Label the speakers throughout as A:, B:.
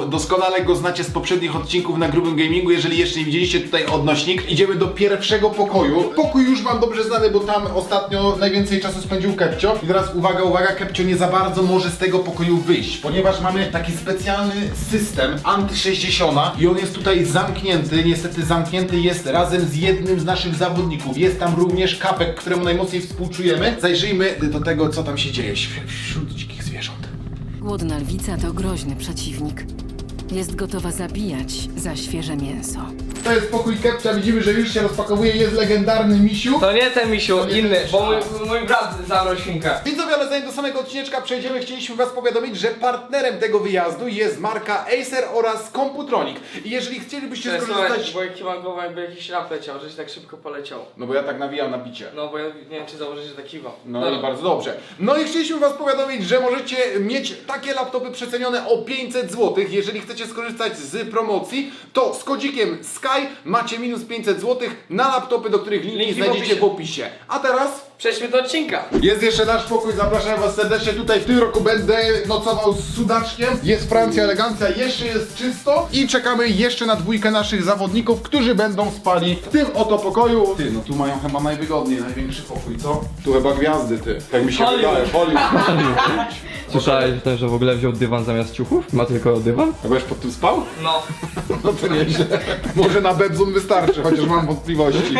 A: doskonale go znacie z poprzednich odcinków na Grubym Gamingu. Jeżeli jeszcze nie widzieliście, tutaj odnośnik. Idziemy do pierwszego pokoju. Pokój już wam dobrze znany, bo tam ostatnio najwięcej czasu spędził Kepcio. I teraz uwaga, uwaga, Kepcio nie za bardzo może z tego pokoju wyjść, ponieważ mamy taki specjalny system anty-60 i on jest tutaj zamknięty. Niestety zamknięty jest razem z jednym z naszych zawodników. Jest tam również Kapek, któremu najmocniej współczujemy. Zajrzyjmy do tego, co tam się dzieje wśród dzikich zwierząt.
B: Głodna lwica to groźny przeciwnik. Jest gotowa zabijać za świeże mięso.
A: To jest pokój Kepcia, widzimy, że już się rozpakowuje, jest legendarny misiu.
C: To nie ten misiu,
A: nie
C: inny,
A: ten misiu.
C: bo mój brat zabrał świnkę.
A: Widzowie, ale zanim do samego odcineczka przejdziemy, chcieliśmy was powiadomić, że partnerem tego wyjazdu jest marka Acer oraz Computronic. I jeżeli chcielibyście skorzystać...
C: Bo jaki mam głowę, jakby jakiś rap leciał, że się tak szybko poleciał.
A: No bo ja tak nawijam na bicie.
C: No bo ja nie wiem, czy założyć, że tak kiwa.
A: No i bardzo dobrze. No i chcieliśmy was powiadomić, że możecie mieć takie laptopy przecenione o 500 zł. Jeżeli chcecie skorzystać z promocji, to z kodzikiem SKY macie minus 500 zł na laptopy, do których linki znajdziecie w opisie. A teraz...
C: Przejdźmy do odcinka.
A: Jest jeszcze nasz pokój, zapraszam was serdecznie. Tutaj w tym roku będę nocował z Sudaczkiem. Jest Francja, elegancja, jeszcze jest czysto. I czekamy jeszcze na dwójkę naszych zawodników, którzy będą spali w tym oto pokoju. Ty, no tu mają chyba najwygodniej, największy pokój, co? Tu chyba gwiazdy, ty. Tak mi się wydaje, Hollywood.
D: Słyszałeś też, że w ogóle wziął dywan zamiast ciuchów? Ma tylko dywan?
A: A byłeś pod tym spał?
C: No.
A: No to nieźle. Może na Bebzum wystarczy, chociaż mam wątpliwości.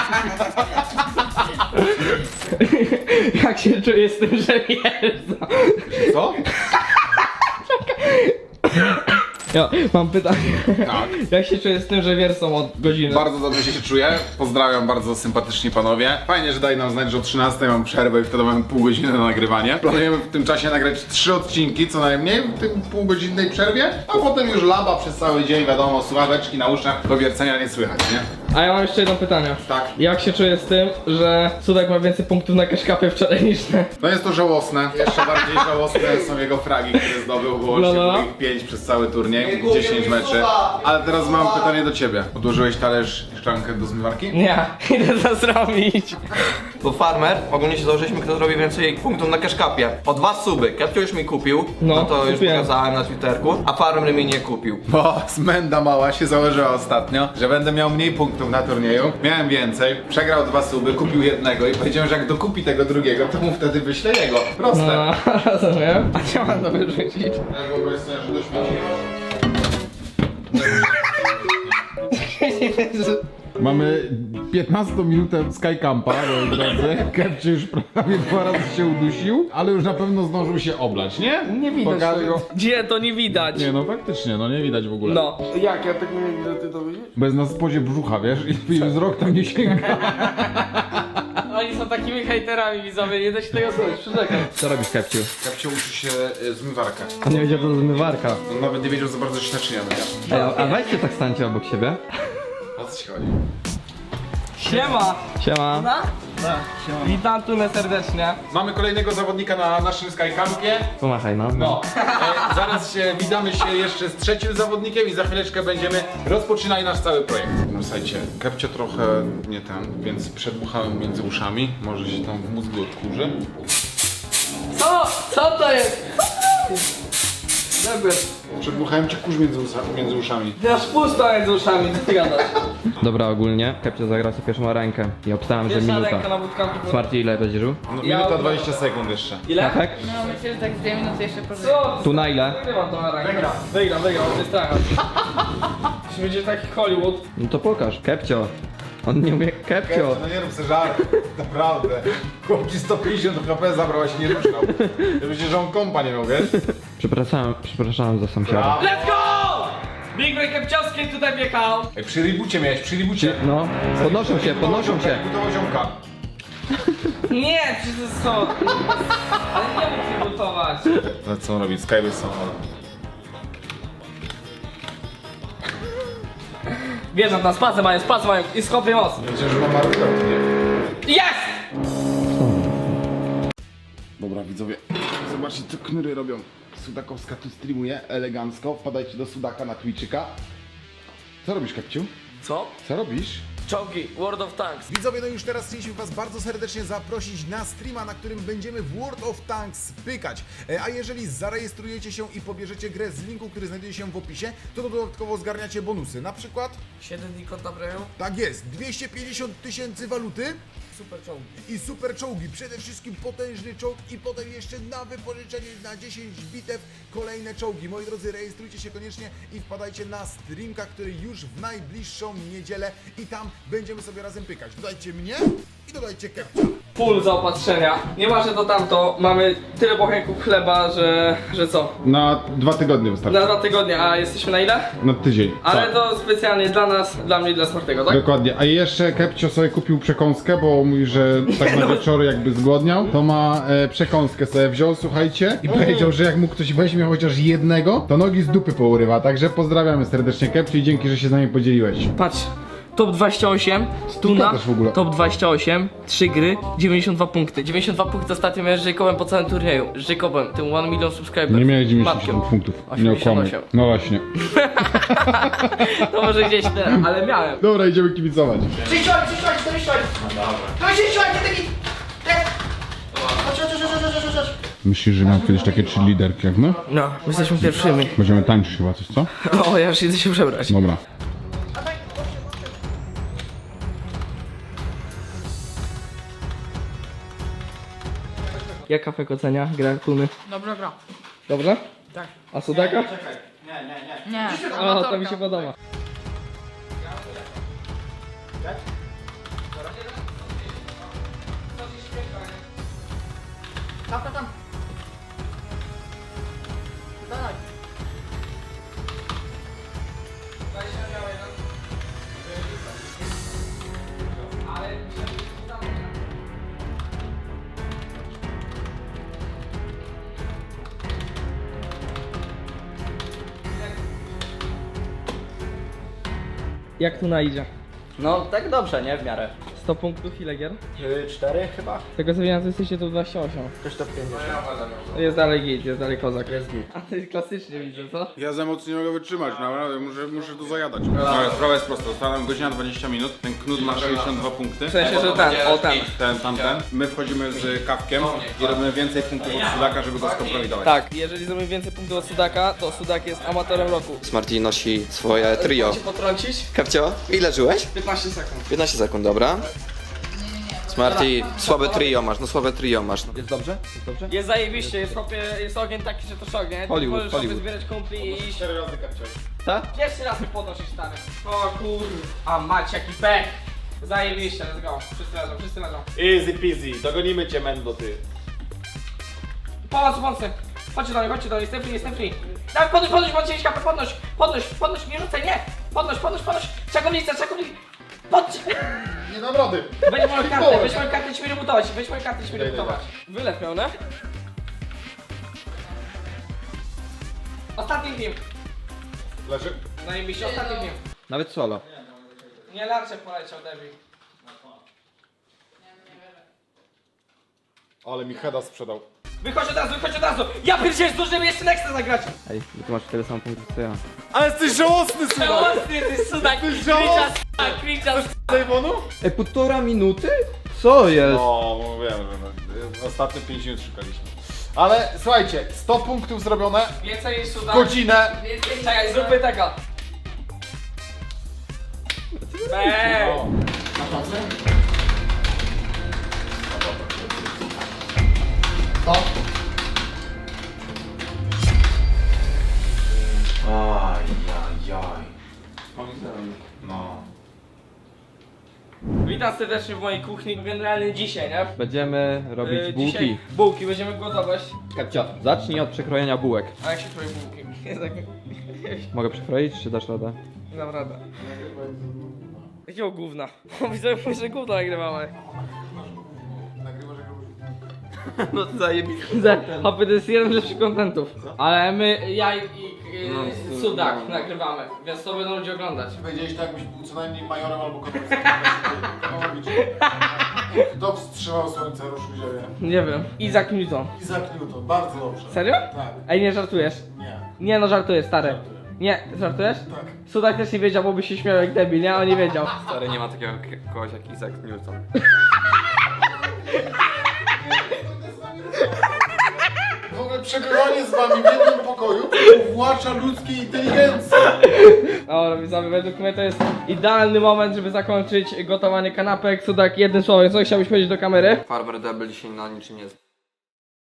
D: Jak się czuję z tym, że wjeżdża?
A: Co?
D: Ja mam pytanie.
A: Tak.
D: Jak się czuję z tym, że wiersą od godziny?
A: Bardzo dobrze się czuję. Pozdrawiam bardzo sympatyczni panowie. Fajnie, że dali nam znać, że o 13 mam przerwę i wtedy mamy pół godziny na nagrywanie. Planujemy w tym czasie nagrać 3 odcinki, co najmniej w tym półgodzinnej przerwie, a potem już laba przez cały dzień, wiadomo, słuchaweczki na uszach, to wiercenia nie słychać, nie?
D: A ja mam jeszcze jedno pytanie.
A: Tak.
D: Jak się czuję z tym, że Cudek ma więcej punktów na kaszkapie wczoraj niż ty?
A: No jest to żałosne. Jeszcze bardziej żałosne są jego fragi, które zdobył, bo łącznie było ich 5 przez cały turniej, 10 meczy. Ale teraz mam pytanie do ciebie. Odłożyłeś talerz i szklankę do zmywarki?
D: Nie, idę to zrobić.
E: To farmer, ogólnie się założyliśmy, kto zrobi więcej punktów na cashcapie. O 2 suby, Kepcio już mi kupił, no to już
D: kupiłem.
E: pokazałem na Twitterku, a farmer mi nie kupił.
A: Bo Smenda mała się założyła ostatnio, że będę miał mniej punktów na turnieju. Miałem więcej, przegrał 2 suby, kupił jednego i powiedziałem, że jak dokupi tego drugiego, to mu wtedy wyślę jego. Proste.
D: No, rozumiem. A gdzie mam to wyrzucić?
A: Ja wyobraź sobie, że do śmieci. Mamy 15-minutę Skycampa, moi drodzy. Kepcie już prawie 2 razy się udusił, ale już na pewno zdążył się oblać, nie?
D: Nie widać
A: Pokażę
D: tego.
A: go.
D: Gdzie to nie widać?
A: Nie no, faktycznie, no nie widać w ogóle.
D: No.
C: Jak? Ja tak nie widzę, ty to widzisz?
A: Bez na spodzie brzucha, wiesz? I wzrok tam nie sięga.
C: Oni są takimi hejterami, widzowie, nie da się tego słuchać, przyrzekam.
D: Co robisz, Kepciu?
A: Kepcie uczy się zmywarkę.
D: On nie wiedział, co to zmywarka.
A: On nawet nie wiedział za bardzo, że się naczynia myja.
D: A weźcie tak stańcie obok siebie.
A: O co ci chodzi?
C: Siema!
D: Siema.
C: Witam tu serdecznie.
A: Mamy kolejnego zawodnika na naszym Skycampie.
D: Pomachaj, no.
A: No, zaraz się witamy się jeszcze z trzecim zawodnikiem i za chwileczkę będziemy rozpoczynali nasz cały projekt. No słuchajcie, Kepcio trochę nie ten, więc przedmuchałem między uszami. Może się tam w mózgu odkurzy.
C: Co? Co to jest? Dobra.
A: Przedmuchałem ci kurz między uszami.
C: Ty masz pusto między uszami, co ty gadasz?
D: Dobra, ogólnie Kepcio zagrał sobie pierwszą rękę i obstałem, że
C: Pierwsza
D: minuta.
C: ręka na bootcampie.
D: Smarty, ile będziesz żył?
A: No,
C: Ja
A: minuta
C: ogólnie-
A: 20 sekund jeszcze.
C: Ile?
D: Tak?
F: No myślę, że tak z 2 minuty jeszcze pożyję.
C: Co?
D: Tu na ile?
C: Wygrywam tą rękę. Wygram, to jest tak. Jeśli będzie taki Hollywood.
D: No to pokaż. Kepcio. On nie umie... Kepcio.
A: No nie rób sobie żart, naprawdę. Chłop ci 150 HP zabrał, a się nie ruszał. Ja myślę, że on kompa nie miał, wiesz?
D: Przepraszam za sąsiada.
C: Let's go! Big Break Kepciowski tutaj wjechał.
A: Ej, przy ribucie miałeś, przy ribucie.
D: No, podnoszą się, podnoszą się.
A: Budował ziomka.
C: Nie, przecież to jest co? Ale nie mógł się gotować.
A: No co on robi? Skyway samochodem.
C: Wjeżdżam tam, spacę mają i skopię moc.
A: Myślę, że ma markę, nie?
C: Jest!
A: Dobra, widzowie, zobaczcie co knury robią. Sudakowska tu streamuje elegancko. Wpadajcie do Sudaka na Twitczyka. Co robisz, Kepciu?
C: Co?
A: Co robisz?
C: Czołgi, World of Tanks.
A: Widzowie, no już teraz chcieliśmy was bardzo serdecznie zaprosić na streama, na którym będziemy w World of Tanks pykać. A jeżeli zarejestrujecie się i pobierzecie grę z linku, który znajduje się w opisie, to dodatkowo zgarniacie bonusy. Na przykład,
C: 7 dni kod na premium.
A: tak jest, 250 000 waluty
C: Super czołgi.
A: i super czołgi. Przede wszystkim potężny czołg i potem jeszcze na wypożyczenie na 10 bitew kolejne czołgi. Moi drodzy, rejestrujcie się koniecznie i wpadajcie na streamka, który już w najbliższą niedzielę i tam będziemy sobie razem pykać. Dodajcie mnie i dodajcie Kepcia.
D: Full zaopatrzenia. Nieważne to tamto, mamy tyle bochenków chleba, że co?
A: Na 2 tygodnie wystarczy.
D: Na 2 tygodnie, a jesteśmy na ile?
A: Na tydzień.
D: Ale to specjalnie dla nas, dla mnie i dla Smartego, tak?
A: Dokładnie, a jeszcze Kepcio sobie kupił przekąskę, bo mówi, że tak na wieczory jakby zgłodniał, to ma przekąskę sobie wziął, słuchajcie, i powiedział, że jak mu ktoś weźmie chociaż jednego, to nogi z dupy pourywa, także pozdrawiamy serdecznie Kepcio i dzięki, że się z nami podzieliłeś.
D: Patrz, top 28, Tuna,
A: też w ogóle.
D: top 28, 3 gry, 92 punkty. 92 punkty ostatnio miałem z Jacobem po całym turnieju. Z Jacobem, tym 1 milion subscribers.
A: Nie miałeś 97
D: Matkiem.
A: punktów, nie
D: 88.
A: okłamaj. No właśnie.
D: To może gdzieś tyle, ale miałem.
A: Dobra, idziemy kibicować. Myślisz, że miał kiedyś takie 3 liderki jak my?
D: No, jesteśmy pierwszymi.
A: Będziemy tańczyć chyba coś, co?
D: O, ja już idę się przebrać.
A: Dobra.
D: Jak Kafek ocenia grę Tuny?
F: Dobra, gra.
D: Dobrze?
F: Tak.
D: A Sudaka?
F: Nie.
D: O, to mi się podoba.
F: Tam. Dawaj.
D: Jak Tuna idzie?
E: No tak dobrze, nie? W miarę.
D: 100 punktów, ile gier?
E: 4 chyba.
D: Z tego co wiem, to jesteście tu 28.
E: Też to 50.
D: Jest dalej git, jest dalej kozak. Jest git. A ty klasycznie widzę, co?
A: Ja za mocno nie mogę wytrzymać, naprawdę, muszę to zajadać. Sprawa jest prosta, została godzina 20 minut, ten knut ma 62 punkty.
D: W sensie, że ten, o ten.
A: Tamten. My wchodzimy z Kawkiem i robimy więcej punktów od Sudaka, żeby go skompromitować.
D: Tak, jeżeli zrobimy więcej punktów od Sudaka, to Sudak jest amatorem roku.
G: Smarty nosi swoje trio.
D: Chcę cię potrącić?
G: Kapcio, ile żyłeś?
D: 15 sekund.
G: 15 sekund, dobra. Smarty, słabe trio masz, no słabe trio masz. No.
E: Jest dobrze? Jest dobrze?
D: Jest zajebiście, jest ogień taki, że to szok, nie? Ty
G: Hollywood,
D: możesz sobie
G: Hollywood.
D: zbierać kumpli i iść.
A: 4 razy Kepcio.
G: Tak?
D: Pierwszy raz mi podnosisz, stary. O kur... A mać, jaki pech. Zajebiście, let's go. Wszyscy leżą.
H: Easy peasy, dogonimy cię, Mendo, ty.
D: Pomocy. Chodźcie do mnie, jestem free. Dawaj, podnoś, macie iść kapę, podnoś, nie rzucaj, nie. Podnoś. Czekownica. Podnoś.
A: Nie dam rady.
D: Weź moją kartę, idźmy rebutować. Wylew miał, ne? Ostatni film.
A: Leży.
D: Zajebiście, ostatni film.
E: Nawet solo.
D: Nie, Larczek poleciał, debil.
A: Ale mi Heda sprzedał.
D: Wychodź od razu! Ja pierdzielę, zdążymy jeszcze Nexta zagrać!
E: Ej, ty masz tyle samo punktów co ja.
A: Ale jesteś żałosny, Sudak!
D: Żałosny, ty sudak! Kriczas!
A: Dejmonu?
E: Ej, 1,5 minuty? Co jest?
A: No, mówiłem, że ostatnie 5 minut szukaliśmy. Ale słuchajcie, 100 punktów zrobione,
D: Więcej niż sudak.
A: godzinę.
D: Czekaj, zróbmy tego. Bang!
A: O, na szansę? No.
D: Witam serdecznie w mojej kuchni. Generalnie dzisiaj, nie?
E: Będziemy robić bułki.
D: Dzisiaj bułki, będziemy gotować.
E: Kapcio, zacznij od przekrojenia bułek.
D: A jak się kroi bułki? Jest tak...
E: Mogę przekroić, czy dasz radę?
D: Nie dam radę. Jakiego gówna? Widzę, że gówno nagrywamy.
E: No zajebiste.
D: Hopy, to jest jeden z lepszych kontentów. Ale my, ja i Sudak nagrywamy, więc to będą ludzie oglądać.
A: Powiedziałeś tak, jakbyś był co najmniej majorem albo komercją. Kto wstrzymał słońce, ruszył ziemię?
D: Nie wiem. Isaac Newton.
A: Isaac Newton, bardzo dobrze.
D: Serio?
A: Tak.
D: Ej, nie żartujesz?
A: Nie.
D: Nie no, żartuję, stary. Nie, żartujesz?
A: Tak.
D: Sudak też nie wiedział, bo by się śmiał jak debil, nie? On nie wiedział.
E: Stary, nie ma takiego kogoś jak Isaac Newton.
A: W ogóle przebywanie z wami w jednym pokoju uwłacza ludzkiej inteligencji.
D: Dobra, widzowie, według mnie to jest idealny moment, żeby zakończyć gotowanie kanapek. Sudak, jednym słowem, co chciałbyś powiedzieć do kamery?
E: Farmer Devil dzisiaj na niczym nie jest